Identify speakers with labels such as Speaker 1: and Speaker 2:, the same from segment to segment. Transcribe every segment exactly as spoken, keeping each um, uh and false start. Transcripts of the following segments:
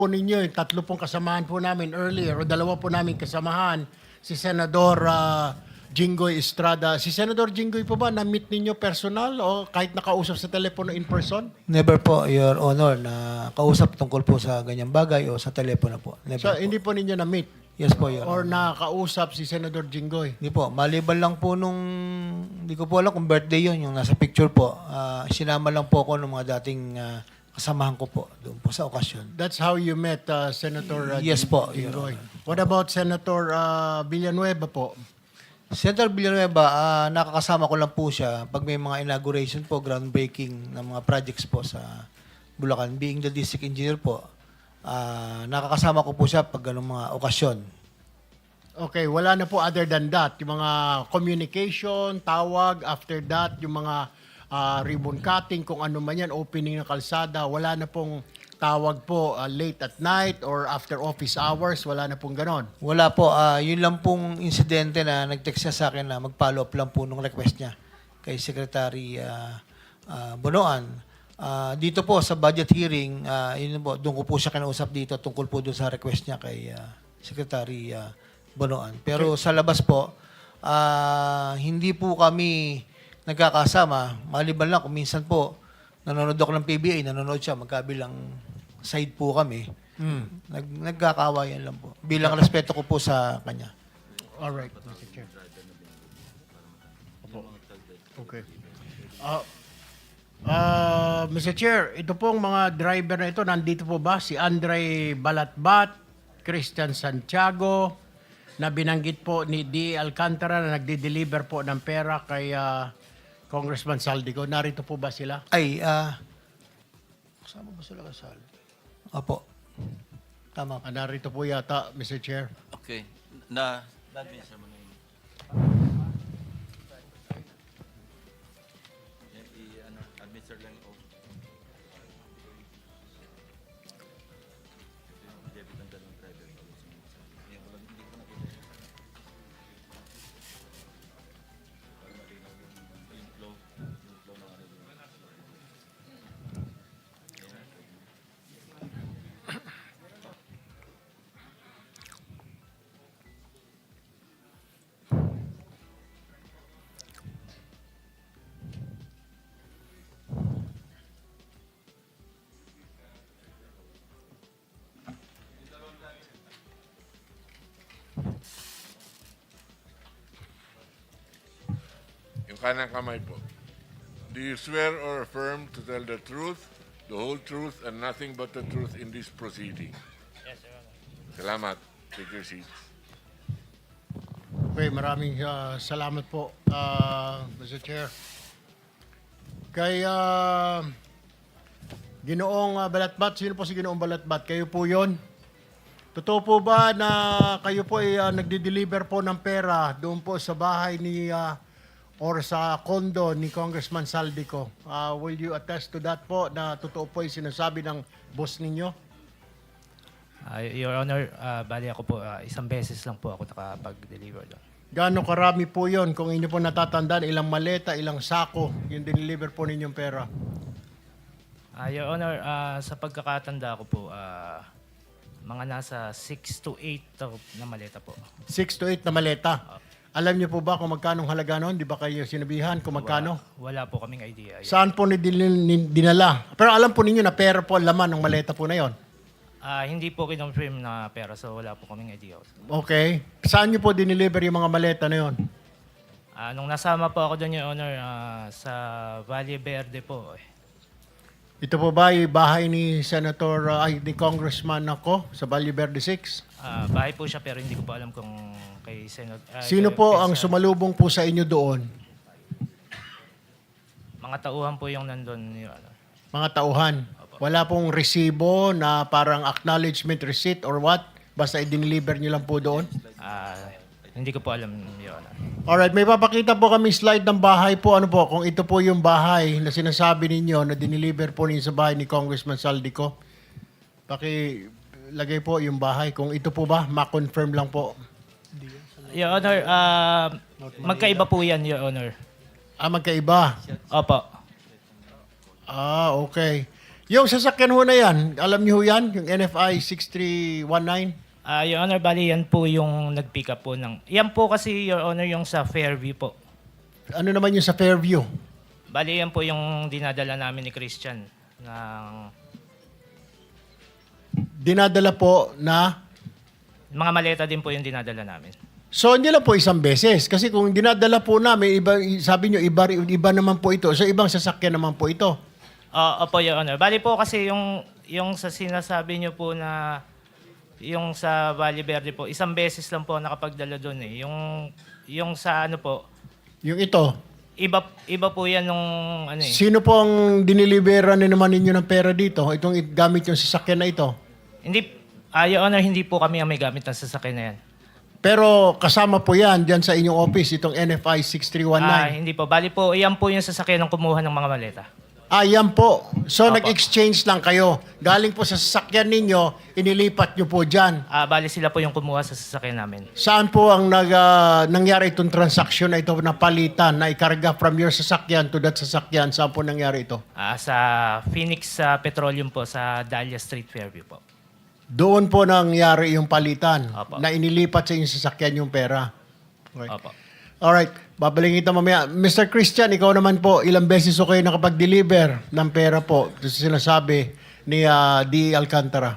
Speaker 1: po ninyo, yung tatlo pong kasamahan po namin earlier, o dalawa po namin kasamahan, si Senador ah, Jinggoy Estrada. Si Senador Jinggoy po ba, na-meet ninyo personal o kahit nakausap sa telepono in person?
Speaker 2: Never po, Your Honor, na kausap tungkol po sa ganyang bagay o sa telepono po. Never
Speaker 1: So,
Speaker 2: po.
Speaker 1: hindi po ninyo na-meet?
Speaker 2: Yes po, Your
Speaker 1: Or
Speaker 2: Honor.
Speaker 1: nakausap si Senador Jinggoy?
Speaker 2: Hindi po, maliban lang po nung, hindi ko po alam kung birthday yun, yung nasa picture po. Ah, sinama lang po ako ng mga dating ah, kasamahan ko po doon po sa okasyon.
Speaker 1: That's how you met uh, Senator uh,
Speaker 2: Yes
Speaker 1: Jing-
Speaker 2: po, Your
Speaker 1: Jinggoy. What about Senator uh, Villanueva po?
Speaker 2: Senator Villanueva, ah, nakakasama ko lang po siya pag may mga inauguration po, groundbreaking ng mga projects po sa Bulacan. Being the district engineer po, ah, nakakasama ko po siya pag ganung mga okasyon.
Speaker 1: Okay, wala na po other than that. Yung mga communication, tawag, after that, yung mga ah, ribbon cutting, kung ano man yan, opening ng kalsada, wala na pong tawag po ah, late at night or after office hours, wala na pong ganon.
Speaker 2: Wala po, ah, yun lang pong insidente na nag-text siya sa akin na mag-follow up lang po nung request niya kay Secretary ah, ah, Bonoan. Ah, dito po sa budget hearing, ah, yun po, doon ko po siya kinausap dito tungkol po doon sa request niya kay ah, Secretary ah, Bonoan. Pero sa labas po, ah, hindi po kami nagkakasama. Maliban lang kung minsan po, nanonood ako ng P B A, nanonood siya, magkabilang side po kami. Nag, nagkakawayan lang po. Bilang respeto ko po sa kanya.
Speaker 1: All right, Mister Chair. Opo. Okay. Ah, ah, Mister Chair, ito pong mga driver na ito, nandito po ba? Si Andre Balatbat, Christian Santiago, na binanggit po ni D. Alcantara na nagde-deliver po ng pera kay ah, Congressman Saldico. Narito po ba sila?
Speaker 2: Ay, ah, kasama ba sila kasal? Opo. Tama po.
Speaker 1: Ah, narito po yata, Mister Chair.
Speaker 3: Okay. Na, na-administer mo na yun. Yan, i- ano, administer lang yung oath. Ito yung debit ng dalawang driver. Yan, walang- hindi ko nakita yun. Para malinaw yung, yung flow, yung flow ng ano yun.
Speaker 4: Yung kanang kamay po. Do you swear or affirm to tell the truth, the whole truth, and nothing but the truth in this proceeding? Yes, Your Honor. Salamat. Take your seats.
Speaker 1: Okay, maraming ah, salamat po, ah, Mister Chair. Kay ah, Ginoong ah, Balatbat, sino po si Ginoong Balatbat? Kayo po yon? Totoo po ba na kayo po ay ah, nagde-deliver po ng pera doon po sa bahay ni ah, or sa condo ni Congressman Saldico? Ah, will you attest to that po na totoo po yung sinasabi ng boss ninyo?
Speaker 5: Ah, Your Honor, ah, bali ako po, ah, isang beses lang po ako nakapag-deliver doon.
Speaker 1: Gaano karami po yon kung inyo po natatandaan, ilang maleta, ilang sako yung diniliver po ninyong pera?
Speaker 5: Ah, Your Honor, ah, sa pagkakatanda ko po, ah, mga nasa six to eight na maleta po.
Speaker 1: Six to eight na maleta. Alam niyo po ba kung magkano halaga noon? Di ba kayo sinabihan kung magkano?
Speaker 5: Wala po kaming idea. Your-
Speaker 1: Saan po ni dinala? Pero alam po ninyo na pera po ang laman ng maleta po na yon.
Speaker 5: Ah, hindi po kinonfirm na pera, so wala po kaming idea.
Speaker 1: Okay. Saan niyo po diniliver yung mga maleta na yon?
Speaker 5: Ah, nung nasama po ako doon, Your Honor, ah, sa Valle Verde po, eh.
Speaker 1: Ito po ba yung bahay ni Senator, uh, ay, ni Congressman ako sa Valle Verde six?
Speaker 5: Ah, bahay po siya pero hindi ko po alam kung kay Senate. ah,
Speaker 1: Sino
Speaker 5: kay-
Speaker 1: po
Speaker 5: kay
Speaker 1: ang
Speaker 5: sa-
Speaker 1: sumalubong po sa inyo doon?
Speaker 5: Mga tauhan po yung nandun, Your Honor.
Speaker 1: Mga tauhan. Wala pong resibo na parang acknowledgement receipt or what? Basta i-deliver niyo lang po doon?
Speaker 5: Ah, hindi ko po alam, Your Honor.
Speaker 1: Alright, may papakita po kami slide ng bahay po. Ano po, kung ito po yung bahay na sinasabi ninyo na diniliver po ninyo sa bahay ni Congressman Saldico. Pakilagay po yung bahay. Kung ito po ba, ma-confirm lang po.
Speaker 5: Your Honor, ah, magkaiba po yan, Your Honor.
Speaker 1: Ah, magkaiba.
Speaker 5: Opo.
Speaker 1: Ah, okay. Yung sasakyan ho na yan, alam niyo ho yan? Yung N F I six three one nine?
Speaker 5: Ah, Your Honor, bali yan po yung nag-pick up po ng... Yan po kasi, Your Honor, yung sa Fairview po.
Speaker 1: Ano naman yung sa Fairview?
Speaker 5: Bali yan po yung dinadala namin ni Christian ng
Speaker 1: Dinadala po na...
Speaker 5: mga maleta din po yung dinadala namin.
Speaker 1: So, hindi lang po isang beses. Kasi kung dinadala po namin, iba, sabi nyo, iba, iba naman po ito. So, ibang sasakyan naman po ito.
Speaker 5: Ah, opo, Your Honor. Bali po kasi yung, yung sa sinasabi niyo po na yung sa Valle Verde po, isang beses lang po nakapagdala doon eh. Yung, yung sa ano po,
Speaker 1: Yung ito.
Speaker 5: iba, iba po yan nung ano eh.
Speaker 1: Sino po ang dinilibera na naman ninyo ng pera dito? Itong i- gamit yung sasakyan na ito.
Speaker 5: Hindi, ah, Your Honor, hindi po kami ang may gamit ng sasakyan na yan.
Speaker 1: Pero kasama po yan dyan sa inyong office, itong N F I six three one
Speaker 5: Ah,
Speaker 1: nine.
Speaker 5: hindi po. Bali po, iyan po yung sasakyan ng kumuha ng mga maleta.
Speaker 1: Ah, yan po. So,
Speaker 5: Opo.
Speaker 1: nag-exchange lang kayo. Galing po sa sasakyan ninyo, inilipat nyo po dyan.
Speaker 5: Ah, bali sila po yung kumuha sa sasakyan namin.
Speaker 1: Saan po ang nag, ah, nangyari itong transaction na ito na palitan, na ikarga from your sasakyan to that sasakyan? Saan po nangyari ito?
Speaker 5: Ah, sa Phoenix sa Petroleum po, sa Dahlia Street, Fairview po.
Speaker 1: Doon po nangyari yung palitan,
Speaker 5: Opo.
Speaker 1: na inilipat sa inyong sasakyan yung pera. Okay.
Speaker 5: Opo.
Speaker 1: Alright, babalik kita mamaya. Mister Christian, ikaw naman po, ilang beses ko kayo nakapag-deliver ng pera po sa sinasabi ni ah, D. Alcantara?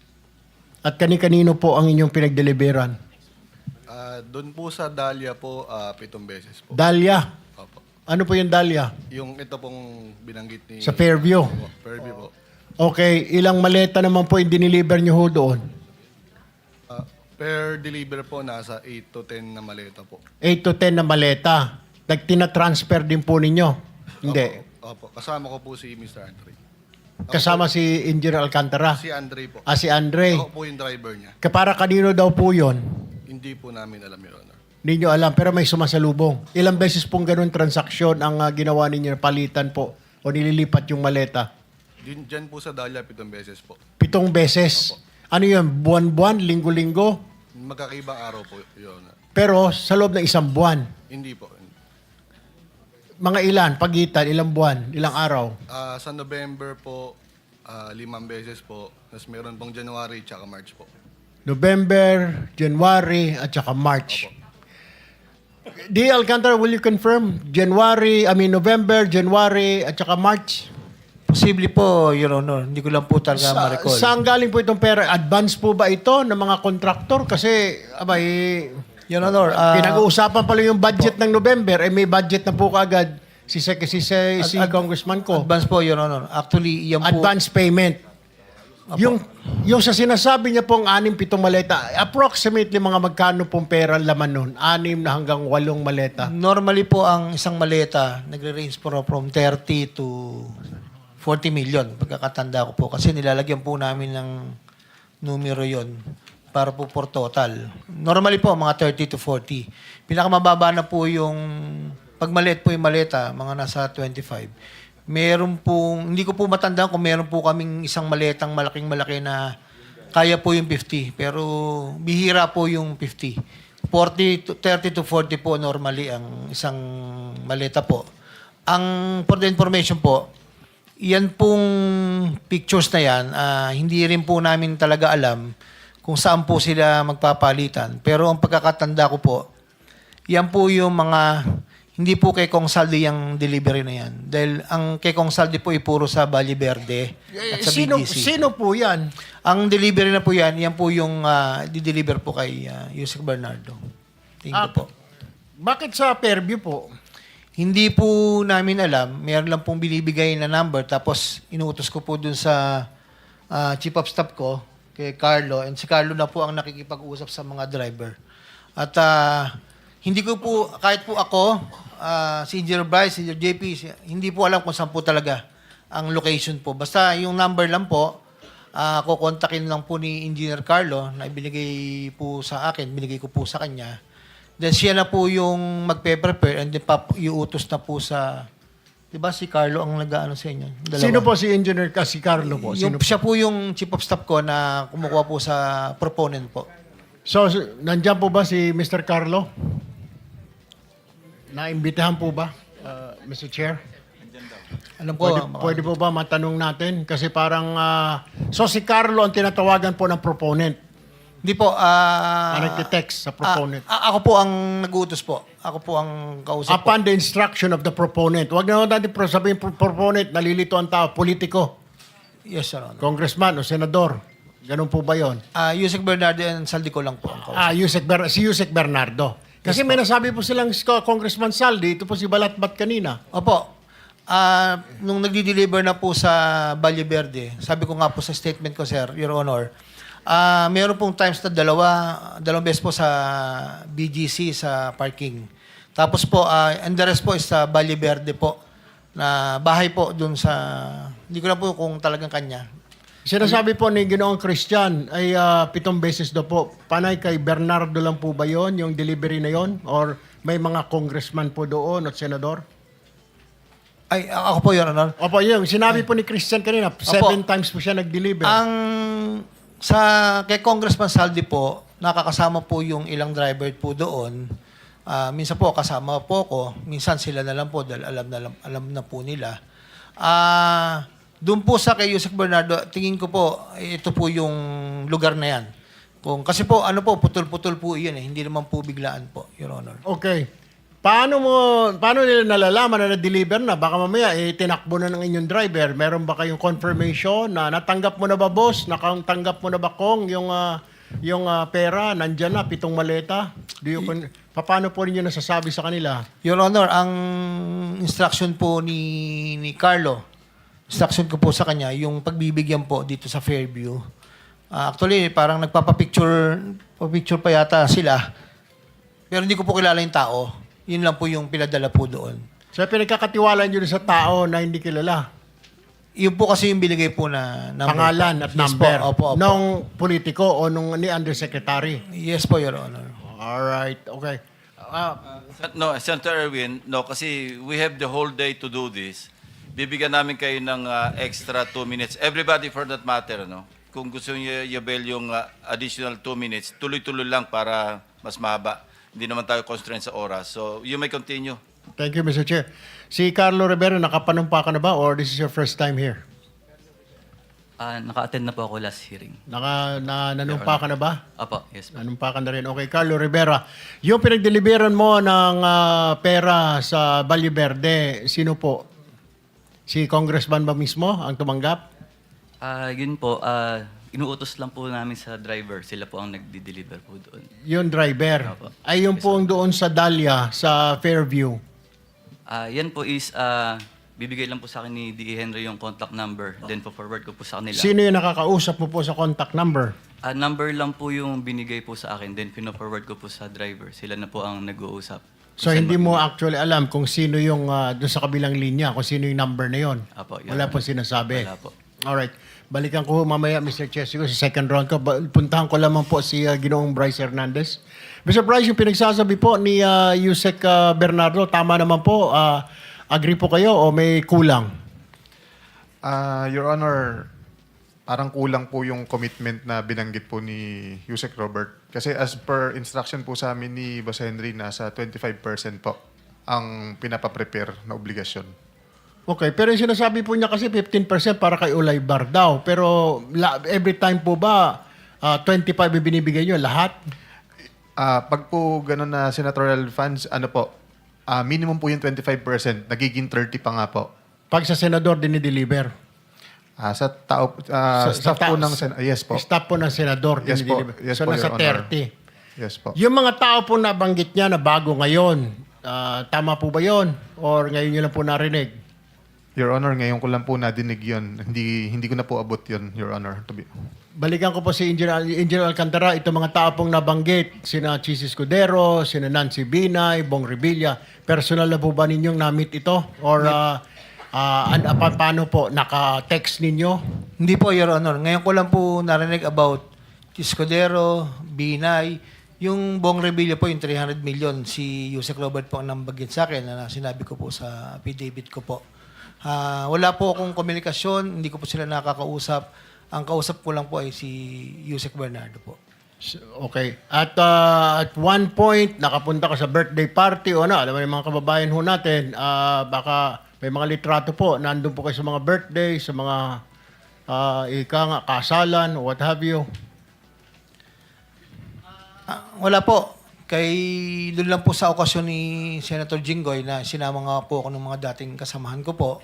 Speaker 1: At kani-kanino po ang inyong pinag-deliveran?
Speaker 6: Ah, doon po sa Dahlia po, ah, pitong beses po.
Speaker 1: Dahlia.
Speaker 6: Opo.
Speaker 1: Ano po yung Dahlia?
Speaker 6: Yung ito pong binanggit ni...
Speaker 1: Sa Fairview.
Speaker 6: Opo, Fairview po.
Speaker 1: Okay, ilang maleta naman po yung diniliver nyo ho doon?
Speaker 6: Ah, per deliver po, nasa eight to ten na maleta po.
Speaker 1: eight to ten na maleta. Nagtina-transfer din po ninyo? Hindi.
Speaker 6: Opo, kasama ko po si Mister Andre.
Speaker 1: Kasama si Engineer Alcantara?
Speaker 6: Si Andre po.
Speaker 1: Ah, si Andre.
Speaker 6: Ako po yung driver niya.
Speaker 1: Kapara kanino daw po yun?
Speaker 6: Hindi po namin alam, Your Honor.
Speaker 1: Hindi nyo alam, pero may sumasalubong. Ilang beses pong ganun transaksyon ang ah, ginawa ninyo, palitan po, o nililipat yung maleta?
Speaker 6: Din, dyan po sa Dahlia, pitong beses po.
Speaker 1: Pitong beses. Ano yun? Buwan-buwan? Linggo-linggo?
Speaker 6: Magkakaibang araw po, Your Honor.
Speaker 1: Pero sa loob ng isang buwan.
Speaker 6: Hindi po.
Speaker 1: Mga ilan? Pagitan? Ilang buwan? Ilang araw?
Speaker 6: Ah, sa November po, ah, limang beses po. Tapos meron pong January tsaka March po.
Speaker 1: November, January, at saka March. D. Alcantara, will you confirm? January, I mean November, January, at saka March?
Speaker 2: Posible po, Your Honor. Hindi ko lang po talaga
Speaker 1: Sa,
Speaker 2: ma-recall.
Speaker 1: saan galing po itong pera? Advance po ba ito ng mga kontraktor? Kasi, abay,
Speaker 2: Your Honor, ah,
Speaker 1: pinag-uusapan pala yung budget ng November, eh may budget na po kaagad si, si, si, si, si
Speaker 2: Ad- ad-
Speaker 1: Congressman ko.
Speaker 2: advance po, Your Honor. Actually, yan po...
Speaker 1: Advance payment. Yung, yung sa sinasabi niya pong anim, pitong maleta, approximately mga magkano pong pera ang laman nun? Anim na hanggang walong maleta.
Speaker 2: Normally po, ang isang maleta, nagre-range po from thirty to forty million, pagkakatanda ko po. Kasi nilalagyan po namin ng numero yon para po for total. Normally po, mga thirty to forty. Pinakamababa na po yung, pag maliit po yung maleta, mga nasa twenty-five. Meron pong, hindi ko po matandaan kung meron po kaming isang maletang malaking-malaki na kaya po yung fifty. Pero bihira po yung fifty. forty to, thirty to forty po normally ang isang maleta po. Ang, for the information po, yan pong pictures na yan, ah, hindi rin po namin talaga alam kung saan po sila magpapalitan. Pero ang pagkakatanda ko po, yan po yung mga, hindi po kay Kong Saldi yung delivery na yan. Dahil ang kay Kong Saldi po ay puro sa Valle Verde at sa
Speaker 1: sino,
Speaker 2: B G C.
Speaker 1: sino po yan?
Speaker 2: Ang delivery na po yan, yan po yung ah, di-deliver po kay uh, Yusek Bernardo. Tingin
Speaker 1: Ah,
Speaker 2: ko po.
Speaker 1: Bakit sa Fairview po?
Speaker 2: Hindi po namin alam. Meron lang pong binibigay na number. Tapos inuutos ko po dun sa ah, chief of staff ko, kay Carlo. And si Carlo na po ang nakikipag-usap sa mga driver. At ah, hindi ko po, kahit po ako, ah, si Engineer Bryce, si Engineer J P, si- hindi po alam kung saan po talaga ang location po. Basta yung number lang po, ah, kukontakin lang po ni Engineer Carlo na ibinigay po sa akin, binigay ko po sa kanya. Then siya na po yung magpe-prepare and then pap- iutos na po sa, di ba si Carlo ang nag-ano sa inyo? Dalawa.
Speaker 1: Sino po si Engineer ka? Si Carlo po?
Speaker 2: Yung,
Speaker 1: Sino po?
Speaker 2: siya po yung chief of staff ko na kumukuha po sa proponent po.
Speaker 1: So, s- nandyan po ba si Mister Carlo? Naimbitahan po ba, uh, Mister Chair?
Speaker 2: Alam ko,
Speaker 1: Pwede,
Speaker 2: mga-
Speaker 1: pwede po ba matanong natin? Kasi parang, ah, so si Carlo ang tinatawagan po ng proponent.
Speaker 2: Hindi po. ah
Speaker 1: Ang nagtitext sa proponent.
Speaker 2: ah, ako po ang nag-uutos po. Ako po ang kausap po.
Speaker 1: Upon the instruction of the proponent. Huwag na natin pro- sabihin pro- proponent, nalilito ang tao, politiko,
Speaker 2: Yes, Your Honor.
Speaker 1: congressman o senador. Ganun po ba yon?
Speaker 2: Ah, Yusek Bernardo and Saldico lang po ang kausap.
Speaker 1: Ah, Yusek Ber- si Yusek Bernardo. Kasi may nasabi po silang si Congressman Saldi, ito po si Balatbat kanina.
Speaker 2: Opo. Ah, nung nagdi-deliver na po sa Valle Verde, sabi ko nga po sa statement ko, sir, Your Honor, ah meron pong times na dalawa, dalawang beses po sa B G C sa parking. Tapos po, ah and the rest po is sa Valle Verde po, na bahay po dun sa, hindi ko na po kung talagang kanya.
Speaker 1: Sinasabi po ni Ginoong Christian ay ah, pitong beses daw po. Panay kay Bernardo lang po ba yon yung delivery na yon? Or may mga congressman po doon at senador?
Speaker 2: Ay, ako po, Your Honor.
Speaker 1: Opo, yun. Sinabi po ni Christian kanina, seven times po siya nag-deliver.
Speaker 2: Ang sa kay Congressman Saldi po, nakakasama po yung ilang driver po doon. Ah, minsan po kasama po ko, minsan sila na lang po dahil alam na lang- alam na po nila. Ah, doon po sa kay Yusek Bernardo, tingin ko po ito po yung lugar na yan. Kung kasi po ano po putol-putol po 'yun eh, hindi naman po biglaan po, Your Honor.
Speaker 1: Okay. Paano mo, paano nila nalalaman na na-deliver na? Baka mamaya, eh, tinakbo na ng inyong driver. Meron ba kayong confirmation na natanggap mo na ba, boss? Natanggap mo na ba, Kong, yung, ah, yung ah, pera? Nandyan na, pitong maleta? Do you, con- paano po ninyo nasasabi sa kanila?
Speaker 2: Your Honor, ang instruction po ni ni Carlo, instruction ko po sa kanya, yung pagbibigyan po dito sa Fairview. Ah, actually, parang nagpapapicture picture pa yata sila. Pero hindi ko po kilala yung tao. Yun lang po yung pinadala po doon.
Speaker 1: So, pinagkakatiwala nyo sa tao na hindi kilala.
Speaker 2: Yun po kasi yung binigay po na number.
Speaker 1: Pangalan
Speaker 2: po.
Speaker 1: at
Speaker 2: Yes
Speaker 1: number.
Speaker 2: Po, opo, opo.
Speaker 1: Nung politiko o nung ni undersecretary.
Speaker 2: Yes po, Your Honor.
Speaker 1: Alright, okay. Ah,
Speaker 3: No, Senator Erwin, no, kasi we have the whole day to do this. Bibigyan namin kayo ng ah, extra two minutes. Everybody for that matter, no? Kung gusto niyo i-avail yung ah, additional two minutes, tuloy-tuloy lang para mas mahaba. Hindi naman tayo constrained sa oras. So, you may continue.
Speaker 1: thank you, Mister Chair. Si Carlo Rivera, nakapanumpa ka na ba or this is your first time here?
Speaker 7: Ah, naka-attend na po ako last hearing.
Speaker 1: Naka, na, nanumpa ka na ba?
Speaker 7: Apo, yes po.
Speaker 1: Nanumpa ka na rin. Okay, Carlo Rivera. Yung pinagdeliveran mo ng ah, pera sa Valle Verde, sino po? Si Congressman ba mismo ang tumanggap?
Speaker 7: Ah, yun po, ah, inuutos lang po namin sa driver. Sila po ang nagdi-deliver po doon.
Speaker 1: Yung driver.
Speaker 7: Opo.
Speaker 1: Ay, yung po ang doon sa Dahlia, sa Fairview.
Speaker 7: Ah, yan po is, ah, bibigay lang po sa akin ni D E Henry yung contact number. Then po forward ko po sa kanila.
Speaker 1: Sino yung nakakausap mo po sa contact number?
Speaker 7: Ah, number lang po yung binigay po sa akin. Then pino-forward ko po sa driver. Sila na po ang nag-uusap.
Speaker 1: So,
Speaker 7: Saan
Speaker 1: hindi
Speaker 7: mag-
Speaker 1: mo actually alam kung sino yung ah, doon sa kabilang linya, kung sino yung number na yon.
Speaker 7: Apo, yun.
Speaker 1: Wala pong sinasabi.
Speaker 7: Wala po.
Speaker 1: Alright. Balikan ko mamaya, Mister Chair, siguro sa second round ko. Ba- Puntahan ko lamang po si uh, Ginoong Bryce Hernandez. Mister Bryce, yung pinagsasabi po ni uh, Yusek uh, Bernardo, tama naman po. Uh, agree po kayo o may kulang?
Speaker 8: Ah, Your Honor, parang kulang po yung commitment na binanggit po ni Yusek Robert. Kasi as per instruction po sa amin ni Boss Henry, nasa twenty-five percent po ang pinapaprepare na obligasyon.
Speaker 1: Okay, pero yung sinasabi po niya kasi fifteen percent para kay Ulay Bar daw. Pero la- every time po ba uh, twenty-five yung binibigay niyo lahat?
Speaker 8: Ah, pag po ganun na senatorial funds, ano po, ah, minimum po yung twenty-five percent, nagiging thirty pa nga po.
Speaker 1: Pag sa senador, dinideliver.
Speaker 8: Ah, sa tao, ah,
Speaker 1: Sa- sa
Speaker 8: staff po
Speaker 1: ta-
Speaker 8: ng sen- ah, yes po.
Speaker 1: Staff po ng senador,
Speaker 8: Yes po.
Speaker 1: dinideliver.
Speaker 8: Yes
Speaker 1: so,
Speaker 8: po,
Speaker 1: nasa
Speaker 8: Your Honor.
Speaker 1: thirty.
Speaker 8: Yes po.
Speaker 1: Yung mga tao po nabanggit niya na bago ngayon, ah, tama po ba yon? Or ngayon nyo lang po narinig?
Speaker 8: Your Honor, ngayon ko lang po nadinig yun. Hindi, hindi ko na po abot yun, Your Honor. To be.
Speaker 1: Balikan ko po si Engineer, Engineer Alcantara, itong mga tao pong nabanggit, sina Chis Escudero, sina Nancy Binay, Bong Revilla, personal na po ba ninyong na-meet ito? Or uh, uh, an, pa, paano po, naka-text ninyo?
Speaker 2: Hindi po, Your Honor. Ngayon ko lang po narinig about Escudero, Binay, yung Bong Revilla po, yung three hundred million, si Yusek Robert po ang nambagit sa akin na sinabi ko po sa affidavit ko po. Ah, wala po akong komunikasyon, hindi ko po sila nakakausap. Ang kausap ko lang po ay si Yusek Bernardo po.
Speaker 1: Okay. At uh, at one point, nakapunta ka sa birthday party o ano, alam mo yung mga kababayan ho natin, uh, baka May mga litrato po, nandun po kayo sa mga birthday, sa mga ah, ika nga, kasalan, what have you.
Speaker 2: Ah, wala po. Kay doon lang po sa okasyon ni Senator Jinggoy na sinama nga po ako ng mga dating kasamahan ko po.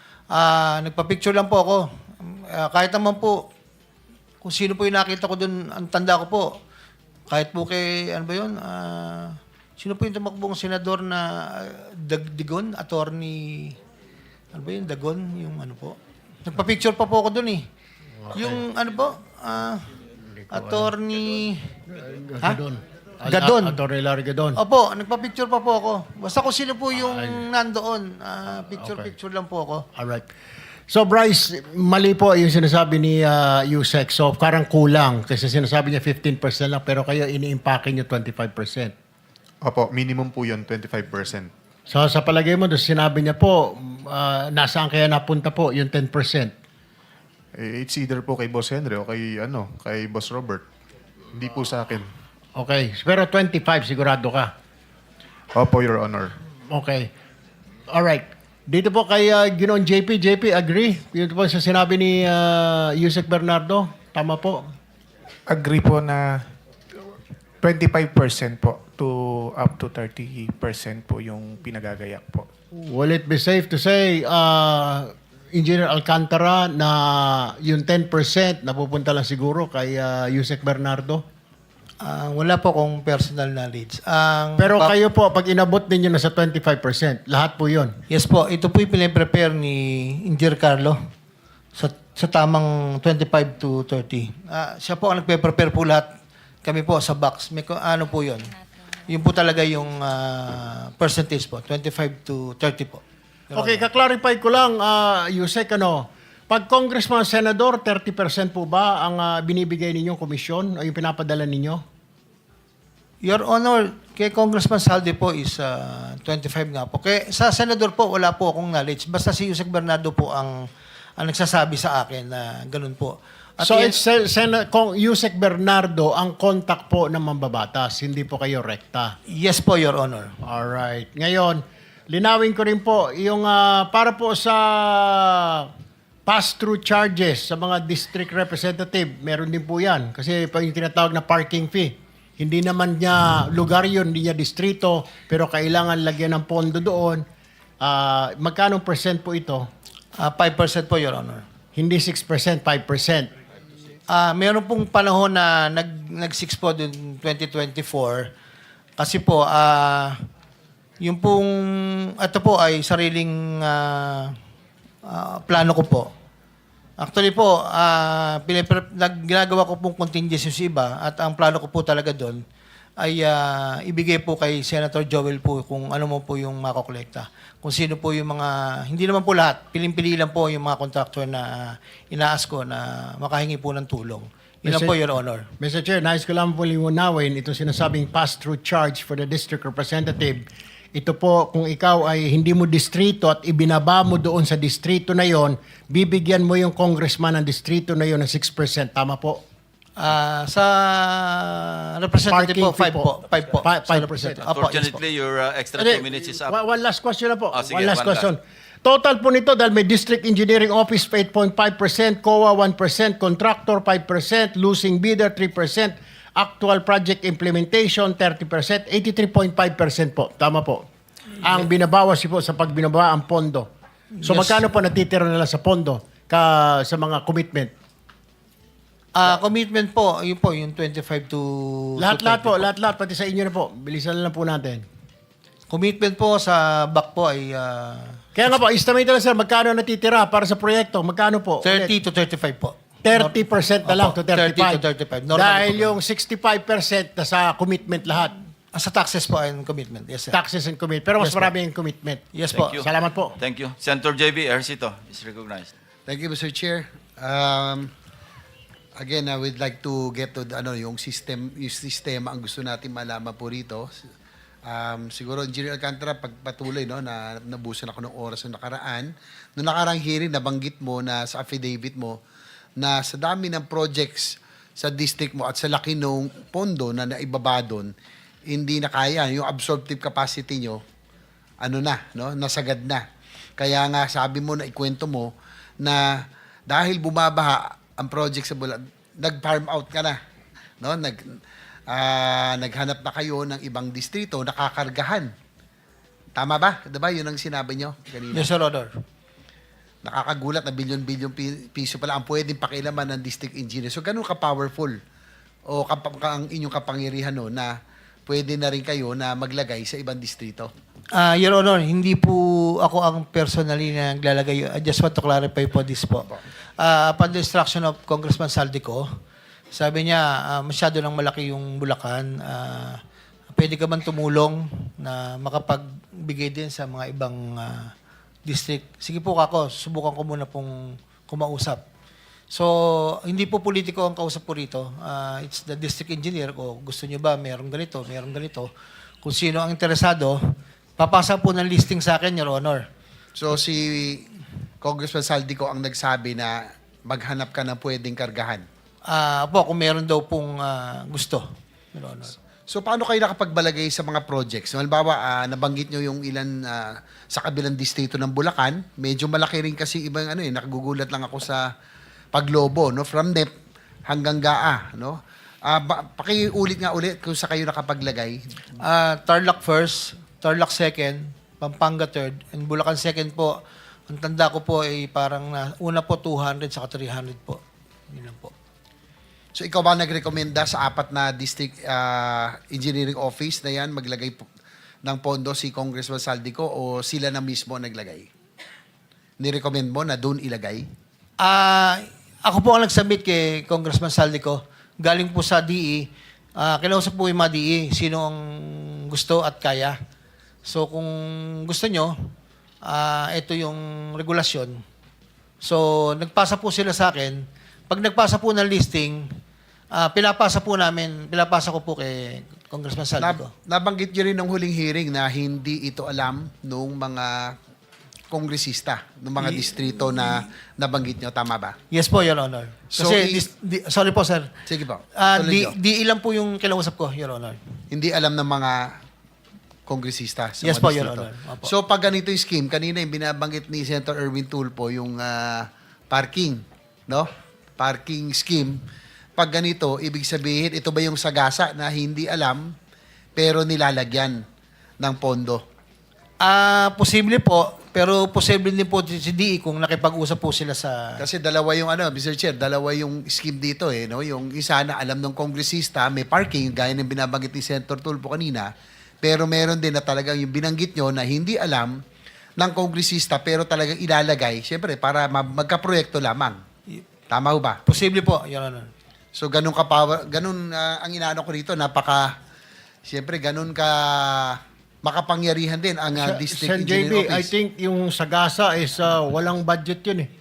Speaker 2: Ah, nagpa-picture lang po ako. Ah, kahit naman po, kung sino po yung nakita ko doon, ang tanda ko po. Kahit po kay, ano ba yun? Ah, sino po yung tumakbong senador na ah, Dag Digon? Attorney, ano ba yun? Dagon? Yung ano po? Nagpa-picture pa po ako doon eh. Yung ano po? Ah, attorney... Ha?
Speaker 1: Gadon.
Speaker 2: Gadon.
Speaker 1: Attorney Larry Gadon.
Speaker 2: Opo, nagpa-picture pa po ako. Basta kung sino po yung nandoon, ah, picture-picture lang po ako.
Speaker 1: Alright. So Bryce, mali po yung sinasabi ni uh, Yusek. So parang kulang kasi sinasabi niya fifteen percent lang pero kayo ini-impake niyo twenty-five percent.
Speaker 8: Opo, minimum po yun, twenty-five percent.
Speaker 1: So sa palagay mo, doon sinabi niya po, uh, nasaan kaya napunta po yung ten percent?
Speaker 8: Eh, It's either po kay Boss Henry o kay, ano, kay Boss Robert. Hindi po sa akin.
Speaker 1: Okay. Pero twenty-five sigurado ka.
Speaker 8: Opo, Your Honor.
Speaker 1: Okay. Alright. Dito po kay uh, Ginoon J P. J P, agree? Yun po sa sinabi ni uh, Yusek Bernardo. Tama po.
Speaker 9: Agree po na twenty-five percent po to up to thirty percent po yung pinagagayak po.
Speaker 1: Will it be safe to say, uh, Engineer Alcantara, na yung ten percent napupunta lang siguro kay uh, Yusek Bernardo?
Speaker 2: Ah, wala po akong personal knowledge. Ang
Speaker 1: Pero
Speaker 2: pa-
Speaker 1: kayo po, pag inabot ninyo na sa twenty-five percent, lahat po yun.
Speaker 2: Yes po, ito po yung pinaprepare ni Engineer Carlo sa, sa tamang twenty-five to thirty. Ah, siya po ang nagpe-prepare po lahat. Kami po sa box. May ko- ano po yun? Yun po talaga yung ah, percentage po, twenty-five to thirty po.
Speaker 1: Okay, kaklarify ko lang, uh, Yusek, ano, pag congressman, senador, thirty percent po ba ang ah, binibigay ninyong komisyon o yung pinapadala ninyo?
Speaker 2: Your Honor, kay Congressman Saldi po is ah, twenty-five nga po. Kay, sa senador po, wala po akong knowledge. Basta si Yusek Bernardo po ang, ang nagsasabi sa akin na ganun po. At
Speaker 1: So,
Speaker 2: yan-
Speaker 1: it's Sen- Sen- Kong Yusek Bernardo ang contact po ng mambabatas, hindi po kayo rekta.
Speaker 2: yes po, Your Honor.
Speaker 1: Alright. Ngayon, linawin ko rin po, yung ah, para po sa pass-through charges sa mga district representative, meron din po yan. Kasi pa yung tinatawag na parking fee. Hindi naman niya lugar yun, hindi niya distrito, pero kailangan lagyan ng pondo doon. Ah, magkano percent po ito?
Speaker 2: Ah, five percent po, Your Honor.
Speaker 1: Hindi six percent, five percent.
Speaker 2: Ah, meron pong panahon na nag nag-six po dun twenty twenty-four. Kasi po ah yung pong ito po ay sariling ah, ah, plano ko po. Actually po, ah pinipre- nag- ginagawa ko pong contingency sa iba at ang plano ko po talaga doon ay ah, ibigay po kay Senator Joel po kung ano mo po yung makokolekta. Kung sino po yung mga, hindi naman po lahat, piling-pili lang po yung mga contractor na inaas ko na makahingi po ng tulong. Yun lang
Speaker 1: Mister
Speaker 2: po, Your Honor.
Speaker 1: Mister Chair, nais ko lang po liwanawin itong sinasabing pass-through charge for the district representative. Ito po, kung ikaw ay hindi mo distrito at ibinaba mo doon sa distrito na yon, bibigyan mo yung congressman ng distrito na yon ng six percent. Tama po?
Speaker 2: Ah, sa representative
Speaker 1: Parking
Speaker 2: po,
Speaker 1: fee
Speaker 2: five
Speaker 1: po.
Speaker 2: po. five po.
Speaker 1: Fi-
Speaker 2: Sa
Speaker 1: five
Speaker 2: representative.
Speaker 1: percent.
Speaker 2: Opo, yes po.
Speaker 3: Unfortunately, your uh, extra
Speaker 1: Hindi,
Speaker 3: two minutes is up.
Speaker 1: One, one last question na po.
Speaker 3: Ah, sige,
Speaker 1: one last
Speaker 3: one
Speaker 1: question. Total po nito dahil may District Engineering Office eight point five percent, C O A one percent, Contractor five percent, Losing Bidder three percent, Actual Project Implementation thirty percent, eighty-three point five percent po. Tama po. Ang binabawas po sa pagbinaba ang pondo. So
Speaker 2: Yes.
Speaker 1: magkano po natitira nila sa pondo ka, sa mga commitment?
Speaker 2: Ah, commitment po, yun po, yung twenty-five to
Speaker 1: Lahat-lahat
Speaker 2: to
Speaker 1: po,
Speaker 2: thirty
Speaker 1: lahat-lahat, pati sa inyo na po. Bilisan na lang po natin.
Speaker 2: Commitment po sa back po ay ah,
Speaker 1: Kaya nga po, estimate na lang sir, magkano natitira para sa proyekto? Magkano po?
Speaker 2: thirty to thirty-five po.
Speaker 1: thirty percent na lang
Speaker 2: Opo,
Speaker 1: to thirty-five.
Speaker 2: thirty to thirty-five. Normal
Speaker 1: Dahil
Speaker 2: po.
Speaker 1: yung sixty-five percent na sa commitment lahat.
Speaker 2: Ah, sa taxes po ay commitment. Yes, sir.
Speaker 1: Taxes and commitment. Pero mas
Speaker 2: Yes po.
Speaker 1: marami yung commitment.
Speaker 2: Yes po.
Speaker 3: Thank you.
Speaker 1: Salamat po.
Speaker 3: Thank you. Senator J B Ercito is recognized.
Speaker 10: Thank you, Mister Chair. Um, again, I would like to get to the, ano, yung system, yung sistema ang gusto natin malaman po rito. Um, siguro, Engineer Alcantara, pagpatuloy, no, na nabusan ako ng oras ng nakaraan. Noong nakarang hearing, nabanggit mo na sa affidavit mo na sa dami ng projects sa district mo at sa laki ng pondo na naibaba doon, hindi na kaya. Yung absorptive capacity nyo, ano na, no, nasagad na. Kaya nga sabi mo na ikwento mo na dahil bumabaha ang project sa Bulacan, nag-farm out ka na. No? Nag, ah, naghanap na kayo ng ibang distrito, nakakargahan. Tama ba? Diba? Yun ang sinabi nyo kanina.
Speaker 2: Yes, Your Honor.
Speaker 10: Nakakagulat na bilyon-bilyon pi- piso pala ang pwedeng pakialaman ng district engineer. So, ganun ka-powerful o kap- ka- ang inyong kapangyarihan no, na pwede na rin kayo na maglagay sa ibang distrito.
Speaker 2: Ah, Your Honor, hindi po ako ang personally na naglalagay. I just want to clarify po this po. Ah, upon the instruction of Congressman Saldico, sabi niya, ah, masyado nang malaki yung Bulacan. Ah, pwede ka man tumulong na makapagbigay din sa mga ibang ah, district. Sige po kako, subukan ko muna pong kumausap. So, hindi po politiko ang kausap po rito. Ah, it's the district engineer ko. Gusto niyo ba meron ganito, meron ganito. Kung sino ang interesado, papasa po ng listing sa akin, Your Honor.
Speaker 10: So, si Congressman Saldico ang nagsabi na maghanap ka ng pwedeng kargahan.
Speaker 2: Ah, po, kung meron daw pong ah, gusto, Your Honor.
Speaker 10: So, paano kayo nakapagbalagay sa mga projects? Halimbawa, ah, nabanggit nyo yung ilan ah, sa kabilang distrito ng Bulacan. Medyo malaki rin kasi ibang ano eh, nakagugulat lang ako sa paglobo, no? From N E P hanggang G A A, no? Ah, ba, pakiulit nga ulit kung sa kayo nakapaglagay.
Speaker 2: Ah, Tarlac first, Tarlac second, Pampanga third, and Bulacan second po. Ang tanda ko po ay parang na, una po two hundred saka three hundred po. Yun lang po.
Speaker 10: So, ikaw ba nagrekomenda sa apat na district ah, engineering office na yan maglagay po ng pondo si Congressman Saldico o sila na mismo naglagay? Nirecommend mo na doon ilagay?
Speaker 2: Ah, ako po ang nag-submit kay Congressman Saldico. Galing po sa D E. Ah, kinausap po yung mga D E, sino ang gusto at kaya. So kung gusto nyo, ah, ito yung regulasyon. So nagpasa po sila sa akin. Pag nagpasa po ng listing, ah, pinapasa po namin, pinapasa ko po kay Congressman Saldico.
Speaker 10: Nab- nabanggit nyo rin ng huling hearing na hindi ito alam nung mga kongresista, ng mga distrito na nabanggit nyo. Tama ba?
Speaker 2: Yes po, Your Honor.
Speaker 10: So,
Speaker 2: Kasi,
Speaker 10: i-
Speaker 2: dis- di- sorry po, sir.
Speaker 10: Sige po.
Speaker 2: Ah,
Speaker 10: Tuloy
Speaker 2: di,
Speaker 10: nyo.
Speaker 2: di ilan po yung kinausap ko, Your Honor.
Speaker 10: Hindi alam ng mga kongresista sa
Speaker 2: Yes
Speaker 10: mga
Speaker 2: po, Your
Speaker 10: distrito.
Speaker 2: Honor. Opo.
Speaker 10: So, pag ganito yung scheme, kanina yung binabanggit ni Senator Erwin Tulfo, yung ah, parking, no? Parking scheme. Pag ganito, ibig sabihin, ito ba yung sagasa na hindi alam, pero nilalagyan ng pondo?
Speaker 2: Ah, posible po, pero posible din po si D E kung nakipag-usap po sila sa...
Speaker 10: Kasi dalawa yung ano, Mister Chair, dalawa yung scheme dito eh, no? Yung isa na alam ng kongresista, may parking, gaya ng binabanggit ni Senator Tulfo kanina, pero meron din na talagang yung binanggit nyo na hindi alam ng kongresista, pero talagang ilalagay, syempre, para ma- magka-proyekto lamang. Tama ho ba?
Speaker 2: Posible po, Your Honor.
Speaker 10: So, ganun ka power, ganun ah, ang inaano ko rito, napaka, syempre, ganun ka makapangyarihan din ang ah,
Speaker 1: Sa-
Speaker 10: District
Speaker 1: Sen J B,
Speaker 10: Engineering
Speaker 1: I
Speaker 10: Office.
Speaker 1: think yung Sagasa is uh, walang budget yun eh.